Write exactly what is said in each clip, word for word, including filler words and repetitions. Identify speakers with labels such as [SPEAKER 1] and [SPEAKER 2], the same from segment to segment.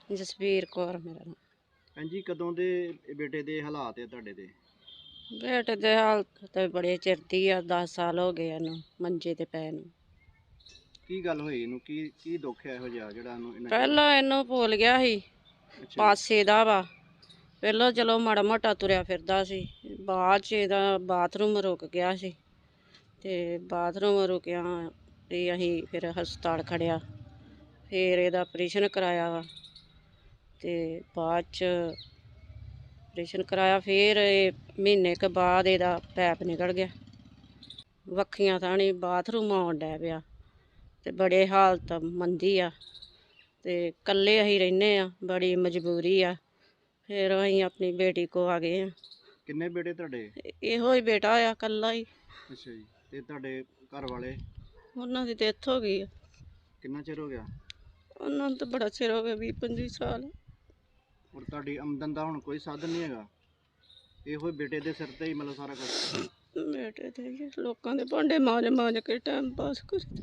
[SPEAKER 1] ਜਸਵੀਰ ਕੌਰ ਮੇਰਾ ਨਾਮ।
[SPEAKER 2] ਹਾਂਜੀ, ਕਦੋਂ ਦੇ ਬੇਟੇ ਦੇ ਹਾਲਾਤ ਹੈ ਤੁਹਾਡੇ ਦੇ?
[SPEAKER 1] ਬੇਟੇ ਦੇ ਹਾਲਤ ਤੇ ਬੜੇ ਚਿਰ ਦੀ ਆ, ਦਸ ਸਾਲ ਹੋ ਗਏ ਇਹਨੂੰ ਮੰਜੇ ਤੇ ਪੈ ਨੂੰ।
[SPEAKER 2] ਕੀ ਗੱਲ ਹੋਈ ਇਹਨੂੰ? ਕੀ ਕੀ ਦੁੱਖ ਹੈ ਇਹੋ ਜਿਹਾ ਜਿਹੜਾ ਇਹਨੂੰ ਇੰਨਾ ਚਿਰ-
[SPEAKER 1] ਪਹਿਲਾਂ ਇਹਨੂੰ ਭੁੱਲ ਗਿਆ ਸੀ,
[SPEAKER 2] ਅੱਛਾ ਜੀ,
[SPEAKER 1] ਪਾਸੇ ਦਾ ਵਾ। ਪਹਿਲਾਂ ਚਲੋ ਮਾੜਾ ਮੋਟਾ ਤੁਰਿਆ ਫਿਰਦਾ ਸੀ, ਬਾਅਦ ਚ ਇਹਦਾ ਬਾਥਰੂਮ ਰੁਕ ਗਿਆ ਸੀ ਤੇ ਬਾਥਰੂਮ ਰੁਕਿਆ ਤੇ ਅਸੀਂ ਫਿਰ ਹਸਪਤਾਲ ਖੜਿਆ, ਫਿਰ ਇਹਦਾ ਆਪਰੇਸ਼ਨ ਕਰਾਇਆ ਵਾ ਤੇ ਬਾਅਦ ਚ ਆਪਰੇਸ਼ਨ ਕਰਾਇਆ। ਫਿਰ ਇਹ ਮਹੀਨੇ ਕੁ ਬਾਅਦ ਇਹਦਾ ਪੈਪ ਨਿਕਲ ਗਿਆ, ਵੱਖੀਆਂ ਥਾਣੀ ਬਾਥਰੂਮ ਆਉਣ ਡੈ ਪਿਆ ਤੇ ਬੜੇ ਹਾਲਤ ਮੰਦੀ ਆ ਤੇ ਇਕੱਲੇ ਅਸੀਂ ਰਹਿੰਦੇ ਆ, ਬੜੀ ਮਜਬੂਰੀ ਆ। ਫਿਰ ਅਸੀਂ ਆਪਣੀ ਬੇਟੀ ਕੋ ਆ ਗਏ ਆ।
[SPEAKER 2] ਕਿੰਨੇ ਬੇਟੇ ਤੁਹਾਡੇ?
[SPEAKER 1] ਇਹੋ ਹੀ ਬੇਟਾ ਆ, ਇਕੱਲਾ ਹੀ।
[SPEAKER 2] ਅੱਛਾ ਜੀ, ਤੇ ਤੁਹਾਡੇ ਘਰ ਵਾਲੇ?
[SPEAKER 1] ਉਹਨਾਂ ਦੀ ਡੈਥ ਹੋ ਗਈ ਆ।
[SPEAKER 2] ਕਿੰਨਾ ਚਿਰ ਹੋ ਗਿਆ?
[SPEAKER 1] ਉਹਨਾਂ ਨੂੰ ਤਾਂ ਬੜਾ ਚਿਰ ਹੋ ਗਿਆ, ਵੀਹ ਪੰਜੀ ਸਾਲ।
[SPEAKER 2] ਔਰ ਤੁਹਾਡੀ ਆਮਦਨ ਦਾ ਹੁਣ ਕੋਈ ਸਾਧਨ ਨਹੀਂ ਹੈਗਾ? ਇਹੋ ਹੀ ਬੇਟੇ ਦੇ ਸਿਰ ਤੇ ਹੀ ਮਤਲਬ ਸਾਰਾ ਕੁਝ?
[SPEAKER 1] ਬੇਟੇ ਤੇ ਹੀ ਆ, ਲੋਕਾਂ ਦੇ ਭਾਂਡੇ ਮਾਂਜ ਮਾਂਜ ਕੇ ਟਾਈਮ ਪਾਸ ਕਰੀ।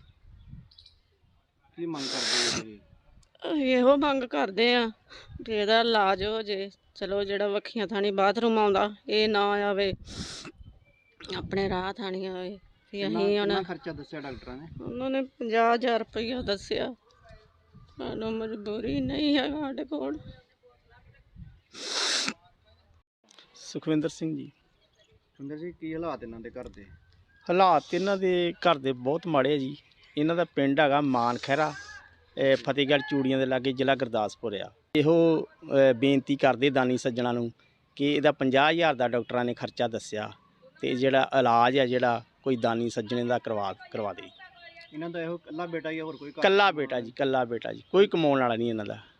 [SPEAKER 2] ਕੀ ਮੰਗ ਕਰਦੇ ਹੋ ਤੁਸੀਂ?
[SPEAKER 1] ਅਸੀਂ ਇਹੋ ਮੰਗ ਕਰਦੇ ਆ ਕਿ ਇਹਦਾ ਇਲਾਜ ਹੋ ਜੇ। ਚਲੋ ਜਿਹੜਾ ਵੱਖੀਆਂ ਥਾਣੀ ਬਾਥਰੂਮ ਆਉਂਦਾ ਇਹ ਨਾ ਆਵੇ, ਆਪਣੇ ਰਾਹ ਥਾਣੀ ਆਵੇ। ਵੀ ਅਸੀਂ
[SPEAKER 2] ਕਿੰਨਾ
[SPEAKER 1] ਹੁਣ
[SPEAKER 2] ਖਰਚਾ ਦੱਸਿਆ ਡਾਕਟਰਾਂ ਨੇ?
[SPEAKER 1] ਉਹਨਾਂ ਨੇ ਪੰਜਾਹ ਹਜ਼ਾਰ ਰੁਪਈਆ ਦੱਸਿਆ, ਸਾਨੂੰ ਮਜਬੂਰੀ ਨਹੀਂ ਹੈਗਾ ਸਾਡੇ ਕੋਲ।
[SPEAKER 3] ਸੁਖਵਿੰਦਰ ਸਿੰਘ ਜੀ।
[SPEAKER 2] ਸੁੰਦਰ ਜੀ, ਕੀ ਹਾਲਾਤ ਇਹਨਾਂ ਦੇ ਘਰ ਦੇ?
[SPEAKER 3] ਹਾਲਾਤ ਇਹਨਾਂ ਦੇ ਘਰ ਦੇ ਬਹੁਤ ਮਾੜੇ ਆ ਜੀ। ਇਹਨਾਂ ਦਾ ਪਿੰਡ ਹੈਗਾ ਮਾਨ ਖਹਿਰਾ, ਇਹ ਫਤਿਹਗੜ੍ਹ ਚੂੜੀਆਂ ਦੇ ਲਾਗੇ, ਜ਼ਿਲ੍ਹਾ ਗੁਰਦਾਸਪੁਰ ਆ। ਇਹੋ ਅ, ਬੇਨਤੀ ਕਰਦੇ ਦਾਨੀ ਸੱਜਣਾ ਨੂੰ ਕਿ ਇਹਦਾ ਪੰਜਾਹ ਹਜ਼ਾਰ ਦਾ ਡਾਕਟਰਾਂ ਨੇ ਖਰਚਾ ਦੱਸਿਆ ਤੇ ਜਿਹੜਾ ਇਲਾਜ ਆ ਜਿਹੜਾ ਕੋਈ ਦਾਨੀ ਸੱਜਣੇ ਦਾ ਕਰਵਾ ਕਰਵਾ ਦੇ।
[SPEAKER 2] ਇਹਨਾਂ ਦਾ ਇਹੋ ਇਕੱਲਾ ਬੇਟਾ ਹੀ ਆ, ਹੋਰ ਕੋਈ ਘਰ?
[SPEAKER 3] ਕੱਲਾ ਬੇਟਾ ਜੀ, ਕੱਲਾ ਬੇਟਾ ਜੀ, ਕੋਈ ਕਮਾਉਣ ਵਾਲਾ ਨਹੀਂ ਇਹਨਾਂ ਦਾ।